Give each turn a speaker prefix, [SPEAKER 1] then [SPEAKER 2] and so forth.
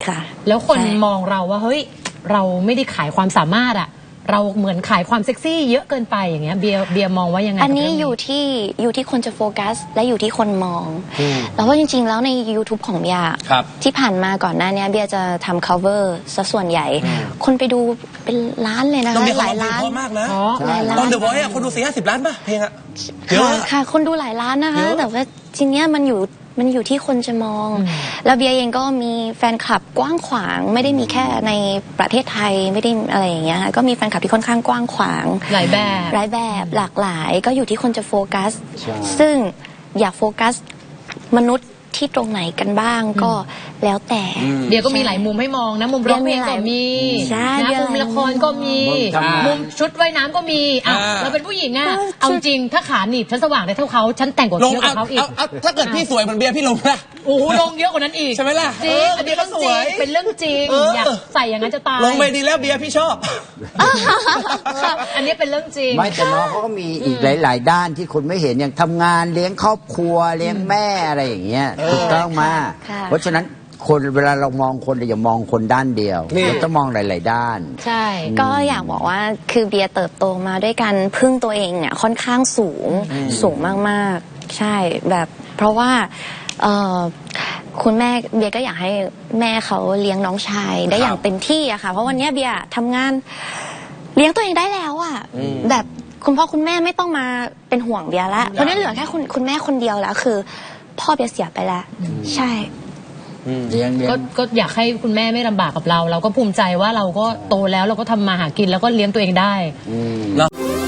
[SPEAKER 1] ค่ะ
[SPEAKER 2] แล้วคนมองเราว่าเฮ้ยเราไม่ได้ขายความสามารถอะเราเหมือนขายความเซ็กซี่เยอะเกินไปอย่างเงี้ยเบียร์มองว่ายังไง
[SPEAKER 1] อันนี้อยู่ที่คนจะโฟกัสและอยู่ที่คนมองแล้วว่าจริงๆแล้วใน YouTube ของเบียร์ที่ผ่านมาก่อนหน้านี้เบียร์จะทำ cover ซะส่วนใหญ่คนไปดูเป็นล้านเลยนะคะหลายล้าน
[SPEAKER 3] มากนะ
[SPEAKER 1] หลายล้าน
[SPEAKER 3] ตอนเดอะวอยซ์คนดู40 ล้านป่ะเพลงอะเยอะ
[SPEAKER 1] ค่ะคนดูหลายล้านนะคะแต่ว่าทีเนี้ยมันอยู่ที่คนจะมองแล้วเบียร์เองก็มีแฟนคลับกว้างขวางไม่ได้มีแค่ในประเทศไทยไม่ได้อะไรอย่างเงี้ยก็มีแฟนคลับที่ค่อนข้างกว้างขวาง
[SPEAKER 2] หลายแบบ
[SPEAKER 1] หลากหลายก็อยู่ที่คนจะโฟกัสซึ่งอยากโฟกัสมนุษย์ที่ตรงไหนกันบ้างก็แล้วแต่
[SPEAKER 2] เดี๋ยวก็มีหลายมุมให้มองนะมุมร้องเพลงก็มีนะมุมละครก็มีมุมชุดว่ายน้ำก็มีเราเป็นผู้หญิงอะเอาจริงถ้าขาหนีบฉันสว่างได้เท่าเขาฉันแต่งกว่าเยอะกว่าเขาอีก
[SPEAKER 3] ถ้าเกิดพี่สวยเหมือนเบียร์พี่ลงนะ
[SPEAKER 2] โอ้โหลงเยอะกว่านั้นอีก
[SPEAKER 3] ใช่ไหมล่ะ
[SPEAKER 2] จริงอันนี้เรื่องจริงเป็นเรื่องจริงอยากใส่อย่างนั้นจะตาย
[SPEAKER 3] ลงไปดีแล้วเบียร์พี่ชอบ
[SPEAKER 2] อันนี้เป็นเรื่องจริง
[SPEAKER 4] ไม่แต่น้องเขาก็มีอีกหลายๆด้านที่คนไม่เห็นอย่างทำงานเลี้ยงครอบครัวเลี้ยงแม่อะไรอย่างเงี้ยถูกต้องมาเพราะฉะนั้นคนเวลาเรามองคนเราอย่ามองคนด้านเดียวเราต้องมองหลายๆด้าน
[SPEAKER 1] ใช่ก็อยากบอกว่าคือเบียร์เติบโตมาด้วยการพึ่งตัวเองเนี่ยค่อนข้างสูงมากๆใช่แบบเพราะว่าคุณแม่เบียร์ก็อยากให้แม่เขาเลี้ยงน้องชายได้อย่างเต็มที่อะค่ะเพราะวันนี้เบียร์ทำงานเลี้ยงตัวเองได้แล้วอะแบบคุณพ่อคุณแม่ไม่ต้องมาเป็นห่วงเบียร์แล้วเพราะนี่เหลือแค่คุณแม่คนเดียวแล้วคือพ่อเบียร์เสียไปแล้วใช่
[SPEAKER 2] ก็อยากให้คุณแม่ไม่ลำบากกับเราก็ภูมิใจว่าเราก็โตแล้วเราก็ทำมาหากินแล้วก็เลี้ยงตัวเองได้